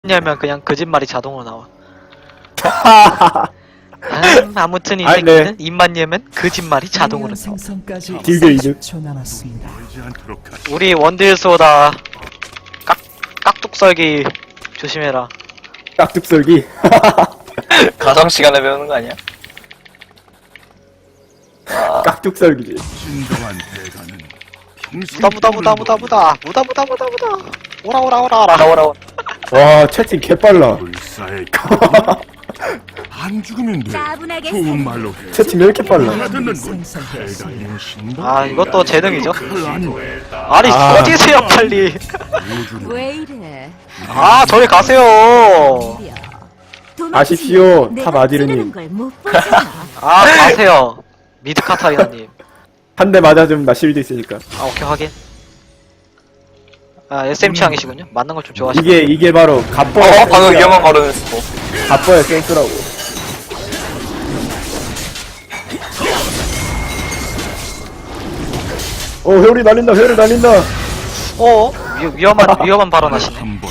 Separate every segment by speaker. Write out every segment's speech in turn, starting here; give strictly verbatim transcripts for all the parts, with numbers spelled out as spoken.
Speaker 1: 열면 그냥 거짓말이 자동으로 나와. 음, 아무튼 이
Speaker 2: 아이,
Speaker 1: 새끼는
Speaker 2: 네.
Speaker 1: 입만 열면 거짓말이 자동으로 나와.
Speaker 3: 생성까지
Speaker 2: 딜교 이득.
Speaker 3: 삼십 초 남았습니다.
Speaker 1: 우리 원딜소다. 깍 깍둑썰기 조심해라.
Speaker 2: 깍둑썰기.
Speaker 4: 가정 시간에 배우는 거 아니야?
Speaker 2: 깍둑썰기지.
Speaker 5: 진정한 대가는
Speaker 1: 무다 무다 무다 무다 무다 무다 무다 무다 무다 오라 오라 오라 오라.
Speaker 4: 나오라고.
Speaker 2: 와, 채팅 개빨라.
Speaker 5: 불사의 안 죽으면 돼.
Speaker 6: 차분하게
Speaker 5: 좋은 말로 해.
Speaker 2: 채팅 왜 이렇게 빨라?
Speaker 5: 알아듣는 건
Speaker 3: 생성되었습니다.
Speaker 5: 대가의 신발.
Speaker 1: 아 이것도 재능이죠.
Speaker 5: 칼 아닌
Speaker 1: 아니
Speaker 2: 아.
Speaker 1: 꺼지세요 빨리.
Speaker 5: 우주는
Speaker 6: 왜 이래?
Speaker 1: 아 저리 가세요.
Speaker 2: 아십시오,
Speaker 6: 내가
Speaker 2: 탑 아디르님.
Speaker 6: 찌르는 걸 못 보잖아.
Speaker 1: 아 가세요. 미드 카타리나님.
Speaker 2: 한 대 맞아주면 나 실드 있으니까.
Speaker 1: 아 오케이 확인. 아 에스엠 취향이시군요. 맞는 걸 좀 좋아하시네.
Speaker 2: 이게, 이게 바로
Speaker 4: 어,
Speaker 2: 갑버의
Speaker 4: 방금
Speaker 2: 센스야.
Speaker 4: 위험한 발언했어.
Speaker 2: 갑버의 센스라고. 오, 회오리 날린다, 회오리 날린다.
Speaker 1: 어? 위, 위험한 위험한 발언하시네.
Speaker 5: 한번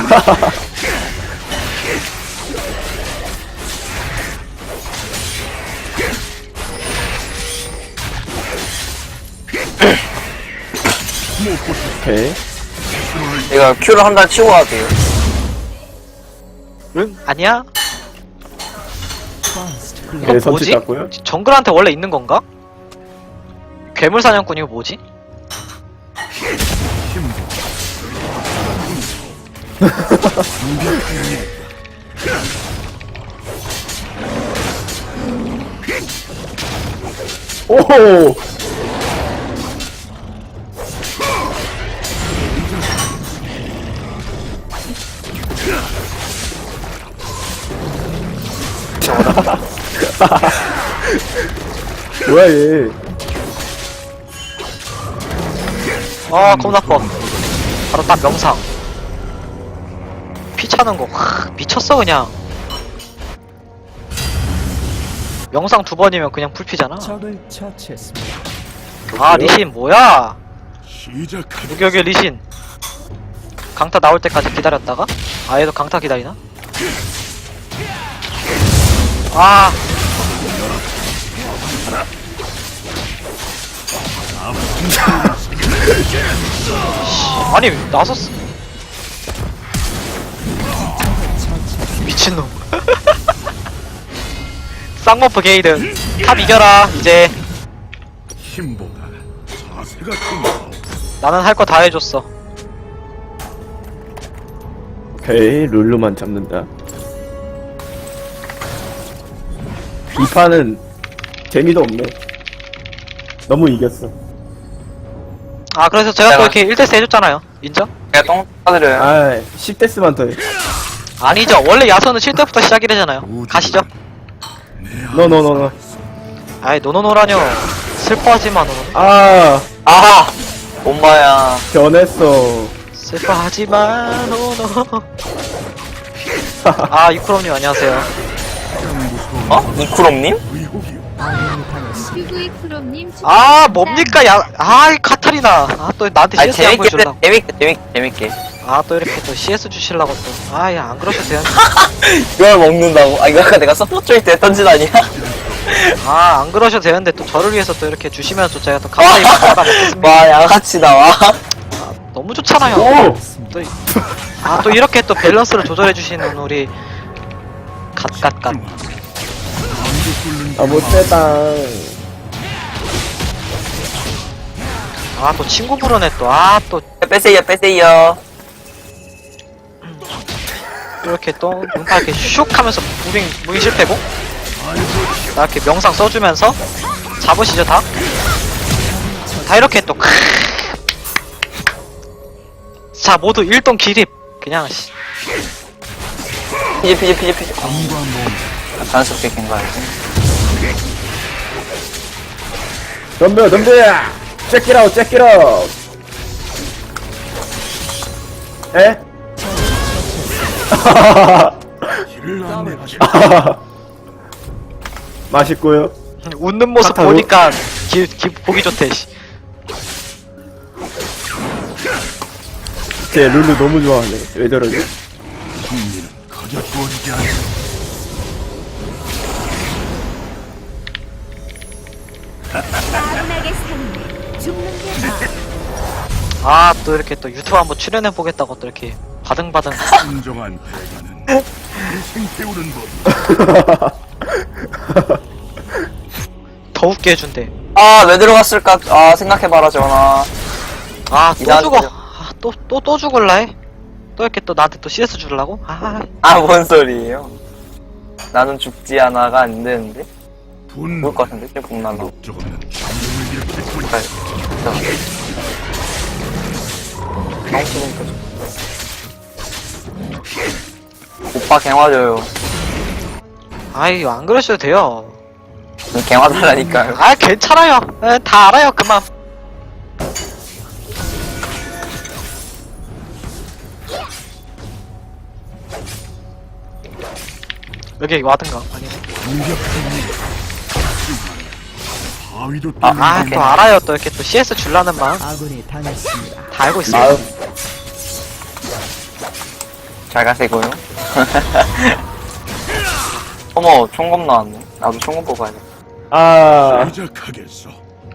Speaker 2: 오케이.
Speaker 4: 내가 큐를 한 달 치고 가도 돼요.
Speaker 1: 응? 아니야?
Speaker 3: First blood.
Speaker 2: 네,
Speaker 1: 이거
Speaker 2: 선취
Speaker 1: 뭐지?
Speaker 2: 땄고요.
Speaker 1: 정글한테 원래 있는 건가? 괴물 사냥꾼 이거 뭐지?
Speaker 2: 오호! 뭐야, 얘.
Speaker 1: 아 겁나 아파. 바로 딱 명상. 피 차는 거 하, 미쳤어 그냥. 명상 두 번이면 그냥 풀피잖아.
Speaker 3: 적을 처치했습니다.
Speaker 1: 아 리신 뭐야?
Speaker 5: 시작하자.
Speaker 1: 무격의 리신. 강타 나올 때까지 기다렸다가 아 얘도 강타 기다리나? 아 아니 나섰어. 미친놈. 쌍머프 게이드 탑 이겨라 이제.
Speaker 5: 힘보다 자세가 큰
Speaker 1: 나는 할 거 다 해줬어.
Speaker 2: 오케이, 룰루만 잡는다. 이 판은 재미도 없네. 너무 이겼어.
Speaker 1: 아 그래서 제가 또
Speaker 4: 내가-
Speaker 1: 이렇게 일 대스 해줬잖아요. 인정?
Speaker 4: 내가 똥 따드려요.
Speaker 2: 아, 십 데스만 더 해.
Speaker 1: 아니죠. 원래 야선은 칠 대부터 시작이래잖아요. 가시죠.
Speaker 2: 노노노노.
Speaker 1: 아이 노노노라뇨. 슬퍼하지마 노노.
Speaker 2: 아,
Speaker 4: 아! 엄마야.
Speaker 2: 변했어.
Speaker 1: 슬퍼하지마 노노. 아 이쿠롬님 안녕하세요.
Speaker 4: 어? 이쿠롬님?
Speaker 5: 의혹이
Speaker 3: 아군이 당했습니다.
Speaker 6: 큐브이 프롬님
Speaker 1: 아 뭡니까 야. 아 카타리나. 아 또 나한테
Speaker 4: 아니,
Speaker 1: 씨에스 안
Speaker 4: 재밌게,
Speaker 1: 보여주려고.
Speaker 4: 재밌게, 재밌게, 재밌게.
Speaker 1: 아 또 이렇게 또 씨에스 주실라고 또. 아야 안 그러셔도 돼요.
Speaker 4: 이걸 먹는다고? 아, 이거 아까 내가 서포트일 때 했던 짓 아니야?
Speaker 1: 아 안 그러셔도 되는데 또 저를 위해서 또 이렇게 주시면 또 제가 또 감사히 받아 먹겠습니다.
Speaker 4: 와, 양아치 나와.
Speaker 1: 너무 좋잖아요.
Speaker 2: 오!
Speaker 1: 또, 이- 아, 또 이렇게 또 밸런스를 조절해주시는 우리 갓갓갓.
Speaker 2: 아, 못됐다.
Speaker 1: 아, 또 친구 부르네 또. 아, 또
Speaker 4: 빼세요, 빼세요.
Speaker 1: 이렇게 또 음파 이렇게 슉 하면서 무빙 무빙 실패고. 나 이렇게 명상 써주면서 잡으시죠 다. 다 이렇게 또. 크으. 자, 모두 일동 기립. 그냥 씨.
Speaker 4: 피지, 피지, 피지, 피지. 아, 자연스럽게 깬 거야.
Speaker 2: 덤벼, 덤벼! check it out, check it out! 에?
Speaker 5: 길을 안내하시.
Speaker 2: 맛있고요.
Speaker 1: 웃는 모습
Speaker 2: 카타로?
Speaker 1: 보니까 기, 기 보기 좋대. 씨.
Speaker 2: 쟤 룰루 너무 좋아하네. 왜 저러지?
Speaker 5: 승리는 가져 주어지지 않아.
Speaker 6: 따분하게 사는 죽는 게 나아.
Speaker 1: 아 또 이렇게 또 유튜브 한번 출연해 보겠다고 또 이렇게 바등바등
Speaker 5: 진정한 대가는 인생 태우는 법.
Speaker 1: 더 웃게 해준대.
Speaker 4: 아, 왜 들어갔을까? 아, 생각해봐라, 전화.
Speaker 1: 아 또
Speaker 4: 이상하게
Speaker 1: 죽어.
Speaker 4: 되죠.
Speaker 1: 아, 또 또 또 죽을라 해. 또 이렇게 또 나한테 또 씨에스 주려고? 아
Speaker 4: 아, 뭔 소리예요? 나는 죽지 않아가 안 되는데?
Speaker 5: 분노.
Speaker 4: 죽을 것 같은데? 지금 복날라고.
Speaker 5: 목적 없는 감정을 일으킬
Speaker 4: 아,
Speaker 5: 뿐이야.
Speaker 4: 너무 지금 오빠 갱화 줘요.
Speaker 1: 아이 안 그러셔도 돼요.
Speaker 4: 갱화 달라니까요.
Speaker 1: 아 괜찮아요. 에, 다 알아요 그만. 여기 와든가 아니네.
Speaker 5: 바위도
Speaker 4: 아,
Speaker 5: 뚫는
Speaker 1: 아 또 알아요. 또 이렇게 또 씨에스 줄라는 마음 다
Speaker 3: 아군이 당했습니다.
Speaker 1: 알고 있어요.
Speaker 2: 마음.
Speaker 4: 잘 가세고요. 어머, 총검 나왔네. 나도 총검 뽑아야겠다.
Speaker 2: 아,
Speaker 5: 시작하겠어.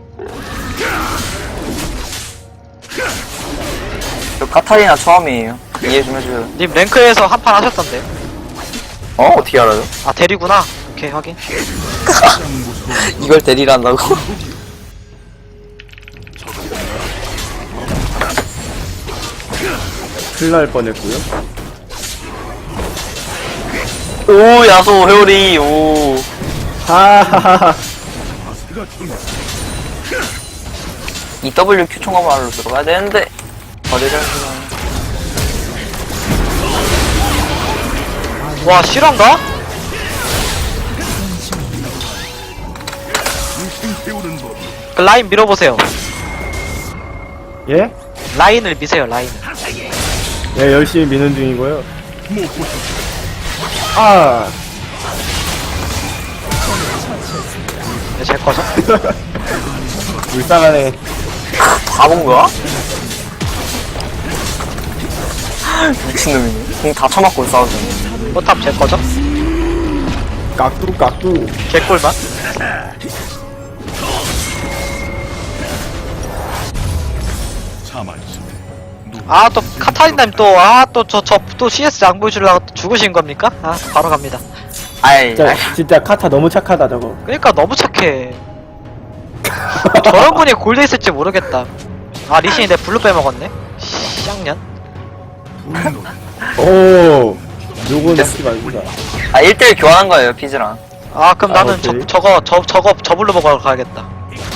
Speaker 4: 저 카타리나 처음이에요. 이해 좀 해줘요.
Speaker 1: 님 랭크에서 한 판 하셨던데.
Speaker 4: 어? 어떻게 알아요?
Speaker 1: 아 대리구나. 오케이 확인.
Speaker 4: 이걸 대리한다고?
Speaker 2: 큰일 날 뻔했고요.
Speaker 4: 오, 야소, 회오리, 오.
Speaker 2: 하하하하.
Speaker 5: 자세가 중요해.
Speaker 4: 이 더블유 큐 총검으로 들어가야 되는데. 거래를
Speaker 1: 와 실화인가?
Speaker 5: 인생 태우는 법.
Speaker 1: 그 라인 밀어보세요.
Speaker 2: 예?
Speaker 1: 라인을 미세요 라인을.
Speaker 2: 예, 열심히 미는 중이고요.
Speaker 5: 못 보셨어.
Speaker 2: 아,
Speaker 1: 네, 제 거죠?
Speaker 2: 불쌍하네.
Speaker 4: 다 본 거야? 미친놈이네. 공 다 쳐맞고 싸우잖아.
Speaker 1: 포탑 제 거죠?
Speaker 2: 깍두, 깍두.
Speaker 1: 개꿀맛?
Speaker 5: 가만히 있어.
Speaker 1: 아 또 카타리나님 또 아 또 저 저 또 씨에스 양 보여주려고 또 죽으신 겁니까? 아 바로 갑니다.
Speaker 4: 아이,
Speaker 2: 진짜, 진짜 카타 너무 착하다, 저거.
Speaker 1: 그러니까 너무 착해. 저런 분이 골드 있을지 모르겠다. 아 리신이 내 블루 빼먹었네. 쌍년.
Speaker 5: 분노.
Speaker 2: 오, 요건 쓰지 말자.
Speaker 4: 아, 일 대일 교환한 거예요, 피즈랑.
Speaker 1: 아 그럼
Speaker 2: 아,
Speaker 1: 나는 저
Speaker 2: 오케이.
Speaker 1: 저거 저 저거 저 블루 먹으러 가야겠다.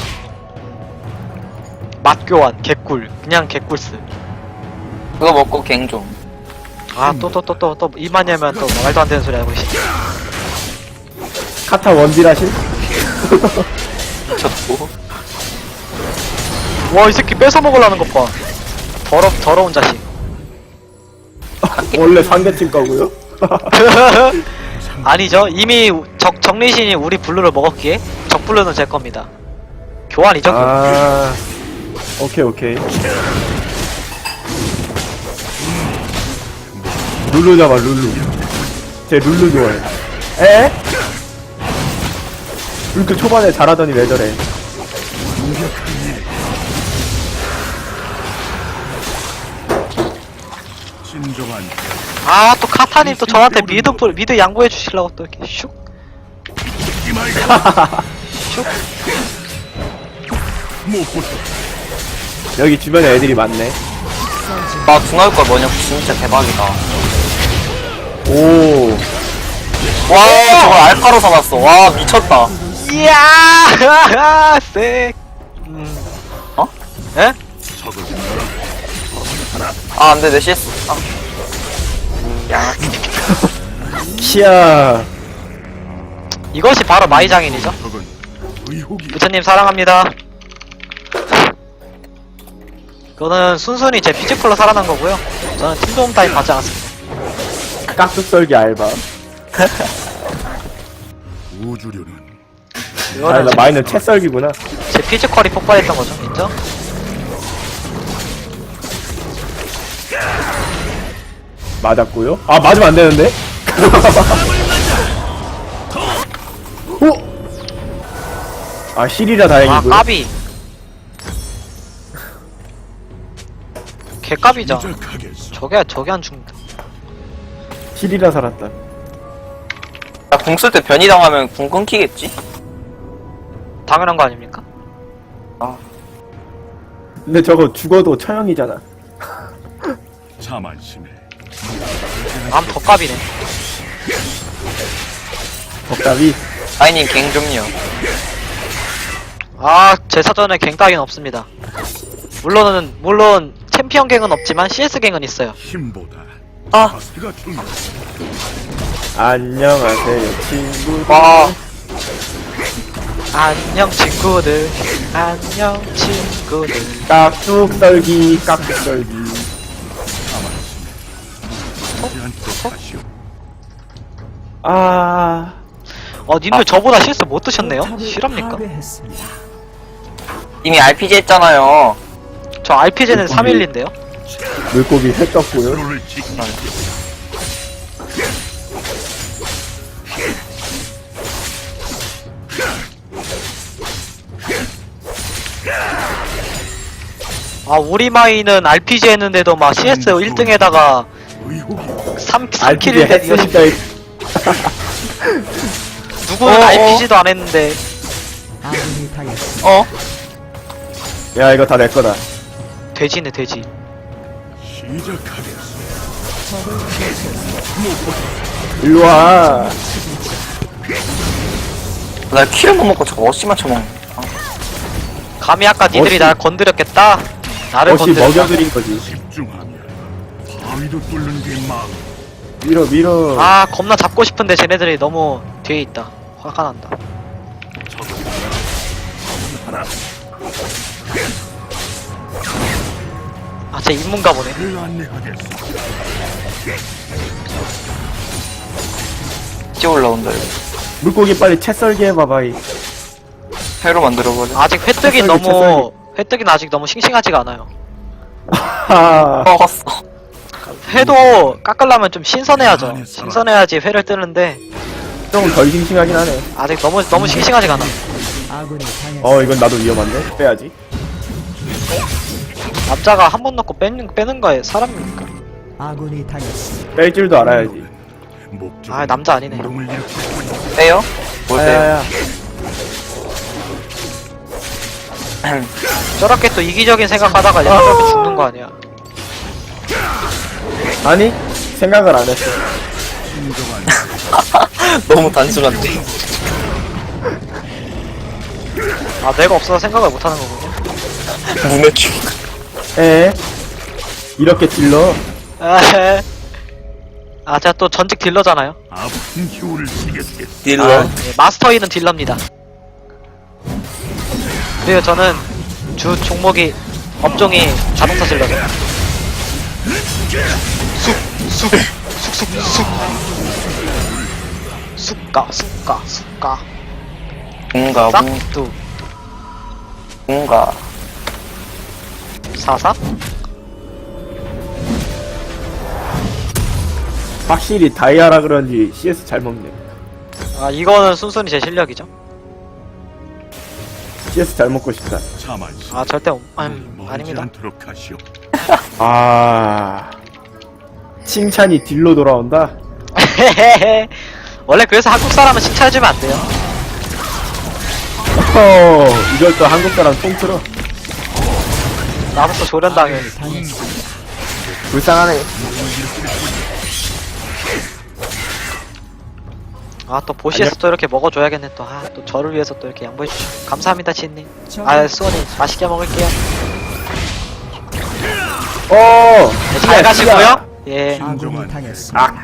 Speaker 1: 맛 교환 개꿀 그냥 개꿀스.
Speaker 4: 그거 먹고 갱 좀.
Speaker 1: 아 또 또 또 또 또 이만이면 또 말도 안 되는 소리 하고 있어.
Speaker 2: 카타 원딜하신?
Speaker 4: 미쳤고.
Speaker 1: 와 이 새끼 뺏어 먹으려는 것 봐. 더러 더러운 자식.
Speaker 2: 원래 상대팀 거고요.
Speaker 1: 아니죠. 이미 적 정리신이 우리 블루를 먹었기에 적 블루는 제 겁니다. 교환이죠.
Speaker 2: 아, 오케이, 오케이. 룰루 잡아, 룰루. 제 룰루 좋아해. 에? 이렇게 초반에 잘하더니 왜 저래?
Speaker 5: 진정한
Speaker 1: 아 또 카타님 또 저한테 미드 풀- 미드 양보해 주시려고 또 이렇게 슉.
Speaker 5: 죽지 말고. 못 보셨어.
Speaker 2: 여기 주변에 애들이 많네.
Speaker 4: 와, 중화일 걸 뭐냐, 진짜 대박이다.
Speaker 2: 오,
Speaker 4: 와, 저걸 알파로 사놨어. 와, 미쳤다.
Speaker 1: 이야 쎄. 음.
Speaker 4: 어?
Speaker 1: 에?
Speaker 5: 적을
Speaker 4: 아, 안 돼, 내 씨에스. 아. 야,
Speaker 2: 키야.
Speaker 1: 이것이 바로 마이장인이죠.
Speaker 5: 적은 의혹이
Speaker 1: 부처님 사랑합니다. 그거는 순순히 제 피지컬로 살아난 거고요. 저는 팀 도움 따위 받지 않았습니다.
Speaker 2: 깍둑 썰기 알바.
Speaker 5: 우주류는
Speaker 2: 아,
Speaker 1: 이거는
Speaker 2: 나
Speaker 1: 제,
Speaker 2: 마이는 채 썰기구나.
Speaker 1: 제 피지컬이 폭발했던 거죠. 인정?
Speaker 2: 맞았고요. 아 맞으면 안 되는데. 오. 아 실이라
Speaker 1: 아
Speaker 2: 다행이고요.
Speaker 1: 까비. 개까비죠.
Speaker 5: 시작하겠어.
Speaker 1: 저게 저게 안 죽는다.
Speaker 2: 실이라 살았다.
Speaker 4: 나 궁 쓸 때 변이 당하면 궁 끊기겠지?
Speaker 1: 당연한 거 아닙니까?
Speaker 2: 근데 저거 죽어도 처형이잖아.
Speaker 5: 자만심에
Speaker 1: 남 더 까비네.
Speaker 2: 덕답이.
Speaker 4: 아이님 갱 좀요.
Speaker 1: 아, 제 사전에 갱 따윈 없습니다. 물론은 물론 챔피언 갱은 없지만 씨에스 갱은 있어요.
Speaker 5: 힘보다
Speaker 4: 아.
Speaker 5: 자세가 중요해.
Speaker 2: 안녕하세요 친구.
Speaker 4: 와.
Speaker 1: 안녕 친구들. 안녕 친구들.
Speaker 2: 깍둑 썰기 깍둑 썰기.
Speaker 5: 하지 않도록 하시오.
Speaker 2: 아
Speaker 1: 어, 님들 저보다 씨에스 못 드셨네요?
Speaker 3: 포탑을
Speaker 1: 실합니까?
Speaker 3: 파괴했습니다.
Speaker 4: 이미 알피지 했잖아요.
Speaker 1: 저 알피지는 삼 일인데요?
Speaker 2: 물고기 회 떴고요.
Speaker 5: 서로를 지키시오.
Speaker 1: 아, 우리 마이는 알피지 했는데도 막 씨에스 일 등에다가
Speaker 5: 의혹이
Speaker 1: 삼, 삼
Speaker 2: 알피지
Speaker 1: 킬을 했, 이거
Speaker 2: 했으니까
Speaker 1: 누구는
Speaker 4: 어, 어.
Speaker 1: 알피지도 안 했는데.
Speaker 3: 아군이 당했습니다.
Speaker 4: 어?
Speaker 2: 야 이거 다 내 거다.
Speaker 1: 돼지네, 돼지.
Speaker 5: 시작하겠어.
Speaker 2: 일로 와.
Speaker 4: 나 키를 못 먹고 저거 어씨만 쳐먹네.
Speaker 1: 감히 아까 니들이
Speaker 2: 어시-
Speaker 1: 날 건드렸겠다? 나를
Speaker 2: 어시
Speaker 1: 건드렸다.
Speaker 2: 먹여드린 거지.
Speaker 5: 집중하면 바위도 뚫는 게 마음.
Speaker 2: 밀어 밀어.
Speaker 1: 아, 겁나 잡고 싶은데 쟤네들이 너무 뒤에 있다. 화가 난다. 아, 쟤 인문가 보네.
Speaker 5: 를 안내하겠어.
Speaker 4: 이제 올라온다 이거.
Speaker 2: 물고기 빨리 채 썰기 해봐봐. 이.
Speaker 4: 회로 만들어버려.
Speaker 1: 아직 회뜨기
Speaker 2: 채썰기,
Speaker 1: 너무, 회뜨기는 아직 너무 싱싱하지가 않아요.
Speaker 2: 하하.
Speaker 4: 먹었어.
Speaker 1: 회도 깎으려면 좀 신선해야죠. 신선해야지 회를 뜨는데,
Speaker 2: 좀 덜 싱싱하긴 하네.
Speaker 1: 아직 너무, 너무 싱싱하지가 않아.
Speaker 3: 아군이 당했습니다.
Speaker 2: 어 이건 나도 위험한데. 빼야지.
Speaker 1: 남자가 한 번 넣고 빼는, 빼는 거에 사람입니까?
Speaker 3: 아군이 당했습니다.
Speaker 2: 뺄 줄도 알아야지.
Speaker 5: 목적.
Speaker 1: 아, 남자 아니네.
Speaker 5: 운동을 일으키고
Speaker 4: 빼요? 뭘 빼요?
Speaker 2: 야야야.
Speaker 1: 저렇게 또 이기적인 생각하다가 얘 저렇게 죽는 거 아니야.
Speaker 2: 아니 생각을 안 했어.
Speaker 4: 너무 단순한데.
Speaker 1: 아, 내가 없어서 생각을 못 하는 거군요.
Speaker 4: 문의 춤.
Speaker 2: 에 이렇게 딜러.
Speaker 1: 에헤. 아, 제가 또 전직 딜러잖아요.
Speaker 5: 아픈 효를 지겠겠어.
Speaker 4: 딜러.
Speaker 2: 아,
Speaker 1: 예, 마스터이는 딜러입니다. 그리고 저는 주 종목이 업종이 자동차 딜러죠. 쑥, 쑥, 쑥, 쑥, 쑥. 쑥가, 쑥가, 쑥가.
Speaker 4: 뭔가, 뭔-
Speaker 1: 싹두,
Speaker 4: 뭔가.
Speaker 1: 사사?
Speaker 2: 확실히 다이아라 그런지 씨에스 잘 먹네.
Speaker 1: 아, 이거는 순순히 제 실력이죠.
Speaker 2: 씨에스 잘 먹고 싶다.
Speaker 5: 자만심.
Speaker 1: 아, 절대, 음,
Speaker 5: 멀지
Speaker 1: 아닙니다.
Speaker 5: 않도록 하시오.
Speaker 2: 아 칭찬이 딜로 돌아온다.
Speaker 1: 원래 그래서 한국 사람은 칭찬해주면 안 돼요.
Speaker 2: 어 이걸 또 한국 사람 통틀어.
Speaker 1: 나부터 조련당해.
Speaker 3: 당했습니다.
Speaker 2: 불쌍하네.
Speaker 1: 아, 또 보시에서 또 이렇게 먹어줘야겠네. 또, 아, 또 저를 위해서 또 이렇게 양보해주시고. 감사합니다, 치님. 아, 수원이 맛있게 먹을게요.
Speaker 2: 어.
Speaker 1: 네, 잘 가시고요. 예.
Speaker 3: 아군이 당했습니다.
Speaker 2: 아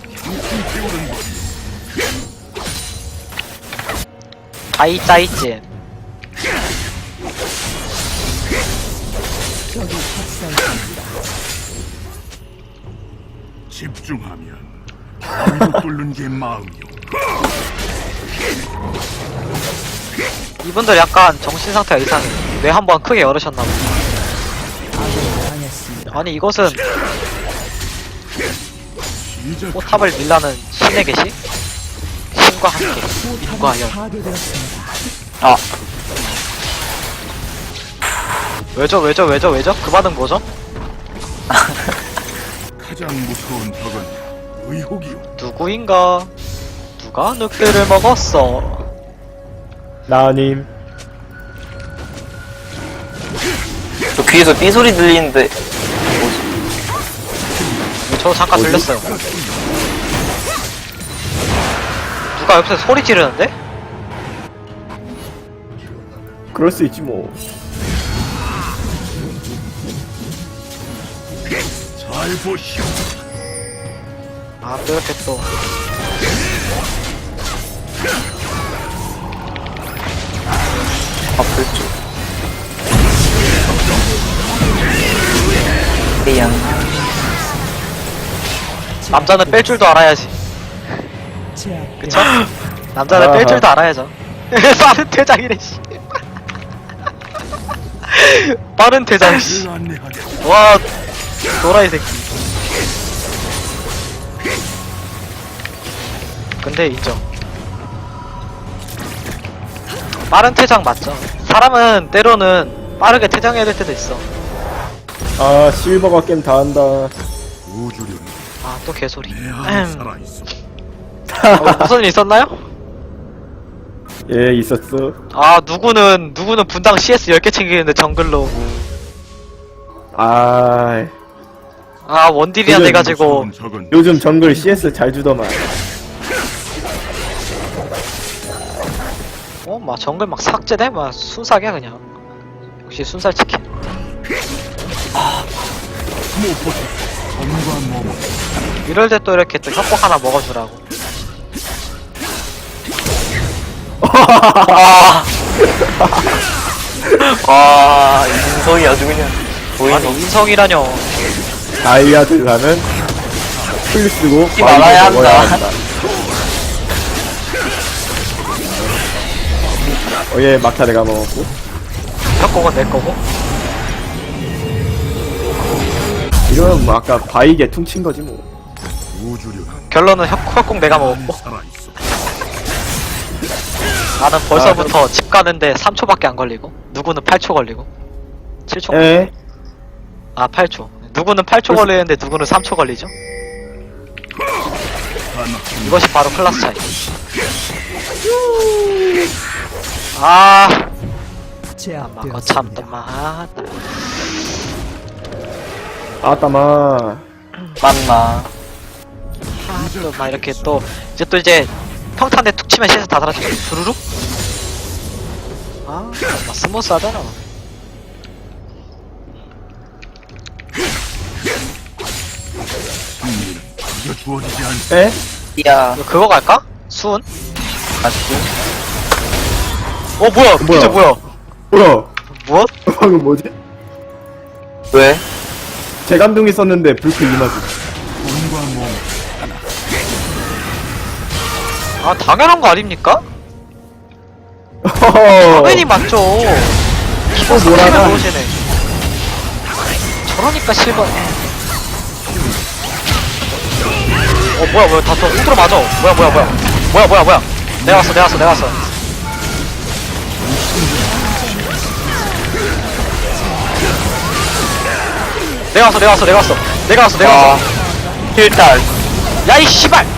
Speaker 1: 다이짜이지.
Speaker 3: 적이 학살됩니다.
Speaker 5: 집중하면 바위도 뚫는 게 마음이오.
Speaker 1: 이분들 약간 정신 상태가 이상해. 뇌 한번 크게 열으셨나봐.
Speaker 3: 아군이 당했습니다.
Speaker 1: 아니, 이것은
Speaker 5: 시작.
Speaker 1: 포탑을 밀라는 신의 계시? 신과 함께 인과연.
Speaker 3: 파괴되었습니다.
Speaker 4: 아,
Speaker 1: 왜죠 왜죠 왜죠 왜죠? 그 반응 뭐죠?
Speaker 5: 가장 무서운 적은 의혹이요.
Speaker 1: 누구인가? 누가 늑대를 먹었어?
Speaker 2: 나님.
Speaker 4: 저 귀에서 삐 소리 들리는데
Speaker 1: 저 잠깐
Speaker 2: 뭐지?
Speaker 1: 들렸어요. 누가 옆에서 소리 지르는데?
Speaker 2: 그럴 수 있지 뭐.
Speaker 5: 잘 보시오.
Speaker 1: 아, 또 이렇게 또.
Speaker 4: 아플 줄. 미안.
Speaker 1: 남자는 뺄 줄도 알아야지.
Speaker 3: 제압.
Speaker 1: 그쵸? 남자는 뺄
Speaker 2: 아하.
Speaker 1: 줄도 알아야죠. 빠른 퇴장이래, 씨. 빠른 퇴장, 씨.
Speaker 5: 를 안내하겠다.
Speaker 1: 와, 도라이 새끼. 근데 인정. 빠른 퇴장 맞죠? 사람은 때로는 빠르게 퇴장해야 될 때도 있어.
Speaker 2: 아 실버가 게임 다 한다.
Speaker 5: 우주련
Speaker 1: 아, 또 개소리.
Speaker 5: 내 안에
Speaker 1: 음.
Speaker 5: 살아있어.
Speaker 1: 어, 무슨 일 있었나요?
Speaker 2: 예 있었어.
Speaker 1: 아, 누구는, 누구는 분당 씨에스 열 개 챙기는데 정글로 오고.
Speaker 2: 아
Speaker 1: 아, 원딜이야
Speaker 2: 그래,
Speaker 1: 돼가지고.
Speaker 5: 무서운 적은
Speaker 2: 요즘 정글 씨에스 잘 주더만.
Speaker 1: 어, 막 정글 막 삭제돼? 막 순삭이야, 그냥. 역시 순살 치킨.
Speaker 5: 무엇보다 검과 몸은
Speaker 1: 이럴 때 또 이렇게 또 협곡 하나 먹어주라고.
Speaker 4: 아. 와, 인성이 아주 그냥
Speaker 1: 아니,
Speaker 4: 보이는
Speaker 1: 인성이라뇨.
Speaker 2: 다이아들 가면 풀 쓰고
Speaker 4: 이 말아야
Speaker 2: 바위 먹어야
Speaker 4: 한다.
Speaker 2: 어예 막타 내가 먹었고.
Speaker 1: 협곡은 내 거고.
Speaker 2: 이건 뭐 아까 바위게 퉁친 거지 뭐.
Speaker 5: 우주련
Speaker 1: 결론은 협, 협곡 내가
Speaker 5: 안에
Speaker 1: 먹었고.
Speaker 5: 살아있어.
Speaker 1: 나는 벌써부터 집 가는데 삼 초밖에 안 걸리고. 누구는 팔 초 걸리고. 칠 초.
Speaker 2: 에?
Speaker 1: 아, 팔 초. 누구는 팔 초 걸리는데 누구는 삼 초 걸리죠? 이것이 바로 클라스 차이. 아, 막 거참 또
Speaker 3: 제압되었습니다.
Speaker 1: 막.
Speaker 2: 아따마.
Speaker 4: 맞나?
Speaker 1: 또 막 이렇게 또 이제 또 이제 평탄대 툭 치면 시에서 다 사라지고 두루룩. 아, 막 스무스하잖아.
Speaker 5: 승리는 그저 주어지지 않.
Speaker 2: 에?
Speaker 4: 야,
Speaker 1: 이거 그거 갈까? 수은?
Speaker 4: 맞지?
Speaker 1: 어 뭐야?
Speaker 2: 뭐야?
Speaker 1: 진짜 뭐야?
Speaker 2: 뭐야?
Speaker 1: 무엇?
Speaker 2: 방금 뭐지?
Speaker 4: 왜?
Speaker 2: 재감동이 썼는데 불크 이마지.
Speaker 5: 검과 몸
Speaker 1: 아, 당연한 거 아닙니까?
Speaker 2: 허허.
Speaker 1: 당연히 맞죠. 기본
Speaker 2: 또 뭐라나?
Speaker 1: 스킬을 놓으시네. 저러니까 실버. 어 뭐야 뭐야 다또 후드로 맞아. 뭐야 뭐야 뭐야 뭐야 뭐야 뭐야. 내가 왔어 내가 왔어 내가 왔어. 내가 왔어 내가 왔어 내가 왔어 내가 왔어 내가
Speaker 4: 아,
Speaker 1: 왔어.
Speaker 4: 힐달.
Speaker 1: 야이 씨발.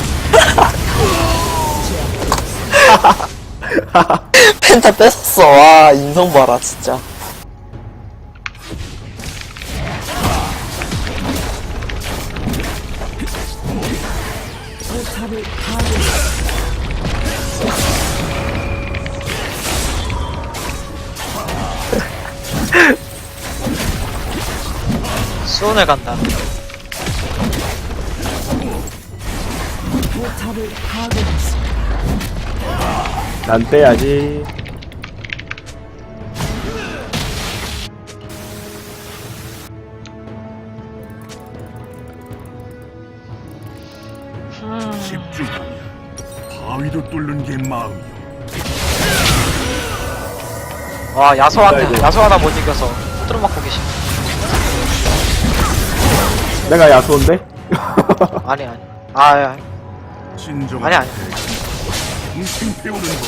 Speaker 4: 펜타 뺏었어. 와, 인성 봐라, 진짜.
Speaker 3: 포탑을 파괴.
Speaker 1: 수은을 간다.
Speaker 3: 포탑을 파괴했습니다.
Speaker 2: 난 빼야지.
Speaker 5: 집중하면 바위도 뚫는 게 마음이요.
Speaker 1: 와 야소한테
Speaker 2: 아이고.
Speaker 1: 야소 하나 못 이겨서 후드로 맞고 계시.
Speaker 2: 내가 야수인데?
Speaker 1: 아니 아니. 아, 야.
Speaker 5: 진정한
Speaker 1: 아니, 아니.
Speaker 5: 동생 배우는 법.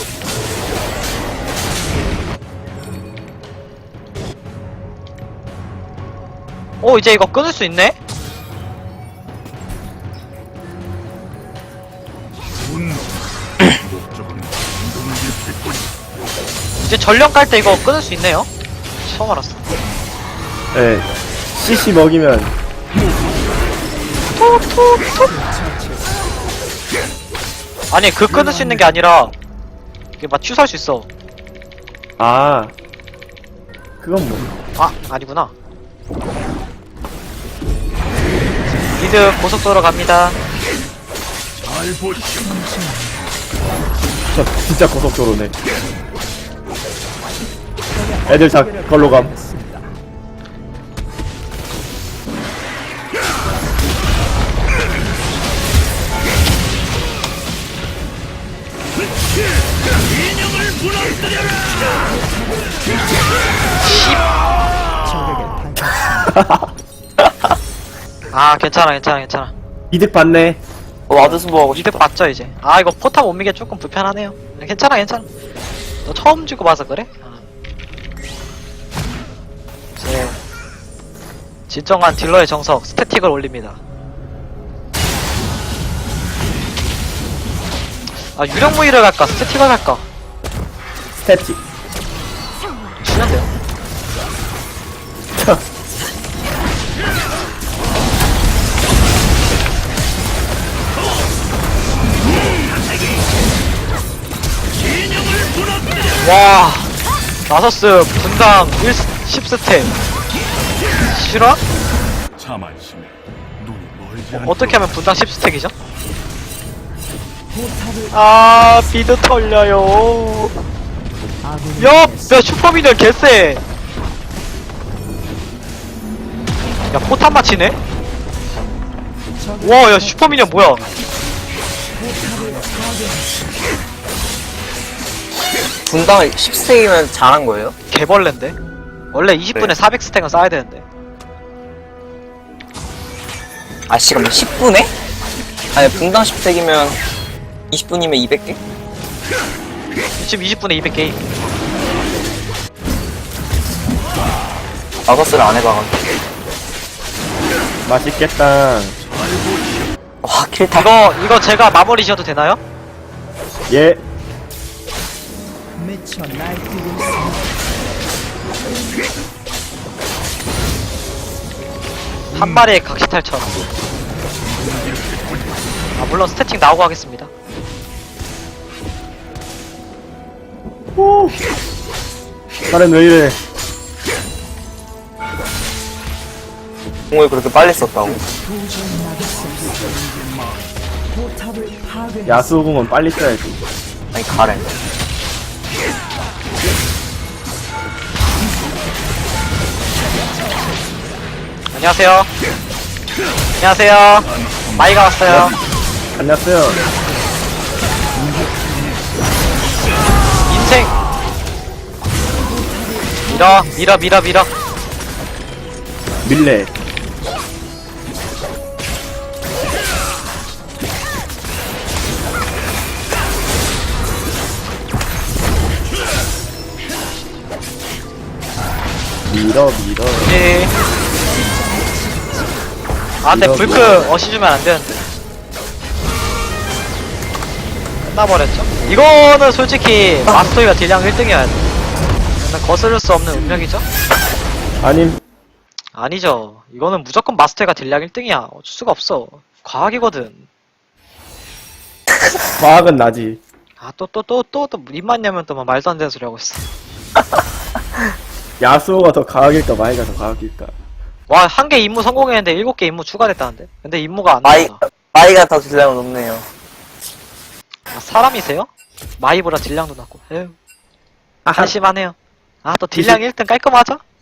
Speaker 1: 오, 이제 이거 끊을 수 있네?
Speaker 5: 분노. 목적은 운동의 패권이.
Speaker 1: 이제 전령 깔 때 이거 끊을 수 있네요? 처음 알았어.
Speaker 2: 예. 씨씨 먹이면
Speaker 1: 아니, 그 끊을 수 있는 게 아니라, 이게 막 취소할 수 있어.
Speaker 2: 아 그건 뭐
Speaker 1: 아, 아니구나. 미드 고속도로 갑니다.
Speaker 5: 잘 보시오.
Speaker 2: 저 진짜 고속도로네. 애들 다 걸로 감.
Speaker 1: 아, 괜찮아, 괜찮아, 괜찮아.
Speaker 2: 이득 봤네.
Speaker 4: 어, 와드스보 하고 싶다.
Speaker 1: 이득 봤죠, 이제. 아, 이거 포탑 못 미게 조금 불편하네요. 괜찮아, 괜찮아. 너 처음 주고 봐서 그래? 아. 이제, 진정한 딜러의 정석, 스태틱을 올립니다. 아, 유령무기를 갈까? 스태틱을 갈까?
Speaker 2: 스태틱.
Speaker 1: 주는데요? 와, 나서스 분당 일, 십 스택. 실화?
Speaker 5: 자만심에 눈이 멀지
Speaker 1: 어,
Speaker 5: 않도록.
Speaker 1: 어떻게 하면 분당 십 스택이죠?
Speaker 3: 포탑을
Speaker 1: 아, 비드 털려요.
Speaker 3: 아군이
Speaker 1: 야,
Speaker 3: 당했습니다.
Speaker 1: 야, 슈퍼미니언 개쎄. 야, 포탑 맞히네? 와, 야, 슈퍼미니언 뭐야?
Speaker 4: 분당 십 스택이면 잘한 거예요?
Speaker 1: 개벌레인데? 원래 이십 분에
Speaker 4: 그래.
Speaker 1: 사백 스택은 쌓아야 되는데.
Speaker 4: 아, 씨, 그럼 십 분에? 아니, 분당 십 스택이면 이십 분이면 이백 개?
Speaker 1: 지금 이십 분에 이백 게임.
Speaker 4: 마거스를 안 해봐가지고.
Speaker 2: 맛있겠다.
Speaker 4: 와, 킬타.
Speaker 1: 이거, 이거 제가 마무리 지어도 되나요?
Speaker 2: 예.
Speaker 3: 미쳐 날뛰고 있습니다.
Speaker 1: 한 마리의 각시탈처럼. 아, 물론 스태틱 나오고 하겠습니다.
Speaker 2: 오. 나는 왜 이래?
Speaker 4: 공을 그렇게 빨리 썼다고?
Speaker 3: 도저히 막을 수 없습니다. 포탑을 파괴.
Speaker 2: 야수공은 빨리 써야지.
Speaker 4: 아니, 가렌.
Speaker 1: 안녕하세요. 안녕하세요. 마이가 왔어요.
Speaker 2: 안녕하세요.
Speaker 1: 인생. 밀어, 밀어, 밀어, 밀어.
Speaker 2: 밀레. 밀어 밀어.
Speaker 1: 예. 아, 근데
Speaker 2: 밀어,
Speaker 1: 불크
Speaker 2: 밀어.
Speaker 1: 어시 주면 안 되는데. 끝나버렸죠? 이거는 솔직히 마스터이가 딜량 일 등이어야 돼. 근데 거스를 수 없는 운명이죠?
Speaker 2: 아님
Speaker 1: 아니죠. 이거는 무조건 마스터가 딜량 일 등이야. 어쩔 수가 없어. 과학이거든.
Speaker 2: 과학은 나지.
Speaker 1: 아, 또, 또, 또, 또, 또, 입만 열면 또 막 말도 안 되는 소리 하고 있어.
Speaker 2: 야수호가 더 과학일까 마이가 더 과학일까.
Speaker 1: 와, 한 개 임무 성공했는데 일곱 개 임무 추가됐다는데? 근데 임무가 안
Speaker 4: 마이,
Speaker 1: 나와.
Speaker 4: 마이가 더 딜량은 높네요.
Speaker 1: 아, 사람이세요? 마이보다 딜량도 낮고. 에휴. 한심하네요. 아, 또 딜량 일 등 깔끔하죠?